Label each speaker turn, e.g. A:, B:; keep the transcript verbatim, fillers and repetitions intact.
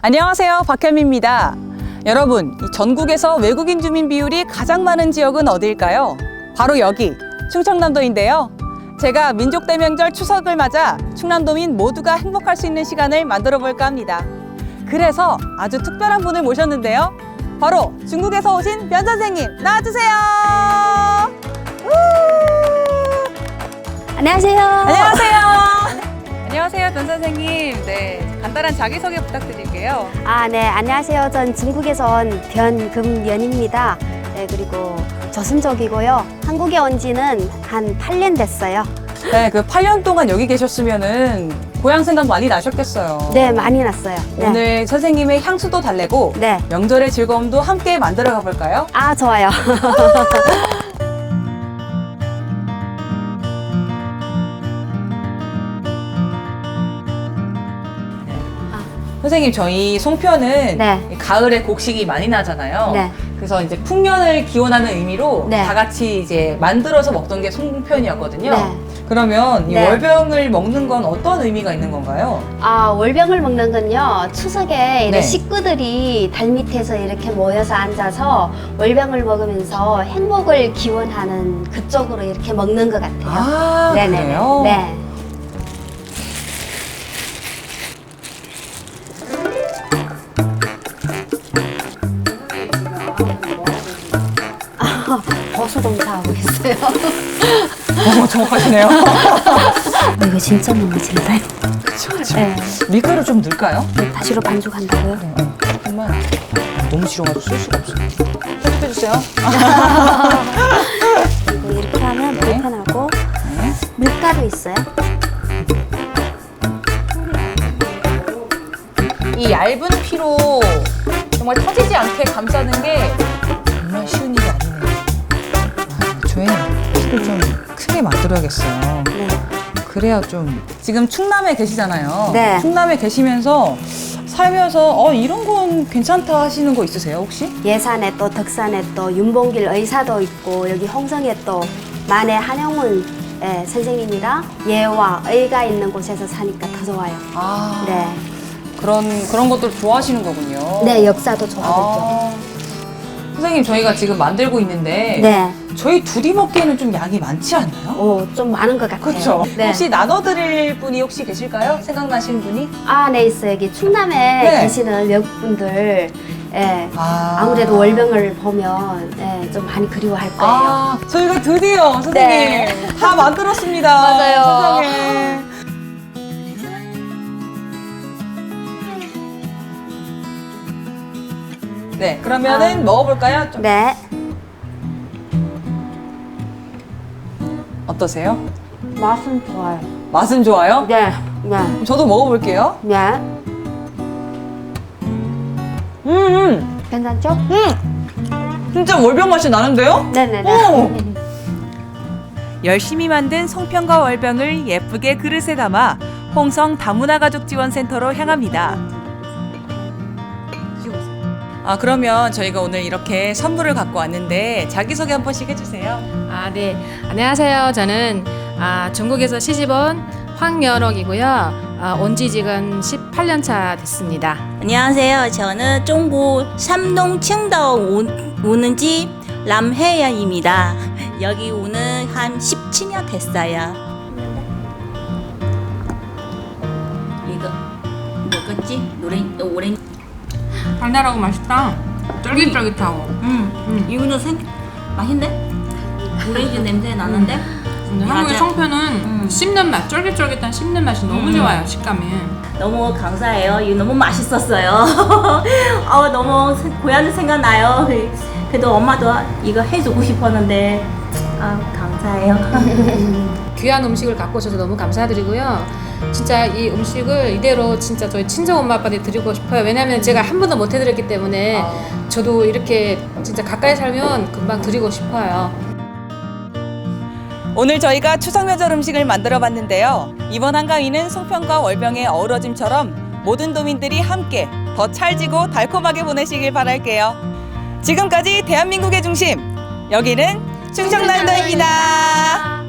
A: 안녕하세요, 박현미입니다. 여러분, 이 전국에서 외국인 주민 비율이 가장 많은 지역은 어디일까요? 바로 여기, 충청남도인데요. 제가 민족대명절 추석을 맞아 충남도민 모두가 행복할 수 있는 시간을 만들어 볼까 합니다. 그래서 아주 특별한 분을 모셨는데요. 바로 중국에서 오신 변 선생님, 나와주세요.
B: 안녕하세요.
A: 안녕하세요. 안녕하세요, 변 선생님. 네, 간단한 자기소개 부탁드릴게요.
B: 아, 네, 안녕하세요. 전 중국에서 온 변금연입니다. 네, 그리고 저순족이고요. 한국에 온 지는 한 팔 년 됐어요.
A: 네, 그 팔 년 동안 여기 계셨으면은 고향 생각 많이 나셨겠어요.
B: 네, 많이 났어요. 네.
A: 오늘 선생님의 향수도 달래고
B: 네.
A: 명절의 즐거움도 함께 만들어 가볼까요?
B: 아, 좋아요.
A: 선생님, 저희 송편은
B: 네.
A: 가을에 곡식이 많이 나잖아요.
B: 네.
A: 그래서 이제 풍년을 기원하는 의미로
B: 네.
A: 다 같이 이제 만들어서 먹던 게 송편이었거든요.
B: 네.
A: 그러면 이
B: 네.
A: 월병을 먹는 건 어떤 의미가 있는 건가요?
B: 아, 월병을 먹는 건요. 추석에 이렇게
A: 네.
B: 식구들이 달 밑에서 이렇게 모여서 앉아서 월병을 먹으면서 행복을 기원하는 그쪽으로 이렇게 먹는 것 같아요.
A: 아,
B: 네네네.
A: 그래요?
B: 네. 아, 버수 공사하고 있어요.
A: 어, 정확하시네요.
B: 이거 진짜 너무 진짜요.
A: 그쵸, 그쵸.
B: 네.
A: 밀가루 좀 넣을까요?
B: 다시로 반죽한다고요?
A: 정말 너무 싫어가지고 쓸 수가 없어요. 편집해주세요.
B: 그리고 이렇게 하면
A: 네.
B: 불편하고 밀가루 있어요?
A: 이 얇은 피로 정말 터지지 않게 감싸는 게 정말 쉬운 일이 아니네요. 아, 저희 피를 좀 크게 만들어야겠어요.
B: 네.
A: 그래야 좀 지금 충남에 계시잖아요.
B: 네.
A: 충남에 계시면서 살면서 어 이런 건 괜찮다 하시는 거 있으세요 혹시?
B: 예산에 또 덕산에 또 윤봉길 의사도 있고 여기 홍성에 또 만해 한영문 예, 선생님이랑 예와 의가 있는 곳에서 사니까 더 좋아요.
A: 아
B: 네.
A: 그런 그런 것들 좋아하시는 거군요.
B: 네, 역사도 좋아하죠.
A: 아, 선생님, 저희가 지금 만들고 있는데
B: 네.
A: 저희 둘이 먹기에는 좀 양이 많지 않나요?
B: 오, 좀 많은 것 같아요.
A: 그렇죠.
B: 네.
A: 혹시 나눠드릴 분이 혹시 계실까요? 생각나시는 분이?
B: 아, 네, 있어요. 여기 충남에
A: 네.
B: 계시는 외국분들 예,
A: 아.
B: 아무래도 월병을 보면 예, 좀 많이 그리워할 거예요.
A: 아, 저희가 드디어 선생님
B: 네.
A: 다 만들었습니다.
B: 맞아요.
A: 세상에. 네, 그러면은
B: 아.
A: 먹어볼까요? 좀
B: 네.
A: 어떠세요?
B: 맛은 좋아요.
A: 맛은 좋아요?
B: 네. 네.
A: 그럼 저도 먹어볼게요.
B: 네.
A: 음, 음,
B: 괜찮죠?
A: 음. 진짜 월병 맛이 나는데요?
B: 네네네.
A: 오!
C: 열심히 만든 송편과 월병을 예쁘게 그릇에 담아 홍성 다문화 가족 지원센터로 향합니다.
A: 아, 그러면 저희가 오늘 이렇게 선물을 갖고 왔는데 자기소개 한 번씩 해주세요.
D: 아, 네. 안녕하세요. 저는 아, 중국에서 시집온 황여록이고요. 아, 온지 지금 십팔 년 차 됐습니다.
E: 안녕하세요. 저는 중국山东 青岛 오는 집 남혜연입니다. 여기 오는 한 십칠 년 됐어요. 이거 뭐겠지? 노래 오렌지.
D: 달달하고 맛있다. 쫄깃쫄깃하고.
E: 음,
D: 음.
E: 이거는 생 맛있네. 오렌지 냄새 나는데.
D: 근데 한국의
E: 맞아.
D: 송편은
E: 음.
D: 씹는 맛, 쫄깃쫄깃한 씹는 맛이 너무
E: 음.
D: 좋아요. 식감이.
E: 너무 감사해요. 이거 너무 맛있었어요. 어, 너무 세- 고향이 생각나요. 그래도 엄마도 이거 해주고 싶었는데 아, 감사해요.
D: 귀한 음식을 갖고 오셔서 너무 감사드리고요. 진짜 이 음식을 이대로 진짜 저희 친정 엄마 아빠한테 드리고 싶어요. 왜냐면 제가 한 번도 못 해드렸기 때문에 저도 이렇게 진짜 가까이 살면 금방 드리고 싶어요.
A: 오늘 저희가 추석 명절 음식을 만들어 봤는데요. 이번 한가위는 송편과 월병의 어우러짐처럼 모든 도민들이 함께 더 찰지고 달콤하게 보내시길 바랄게요. 지금까지 대한민국의 중심, 여기는 충청남도입니다.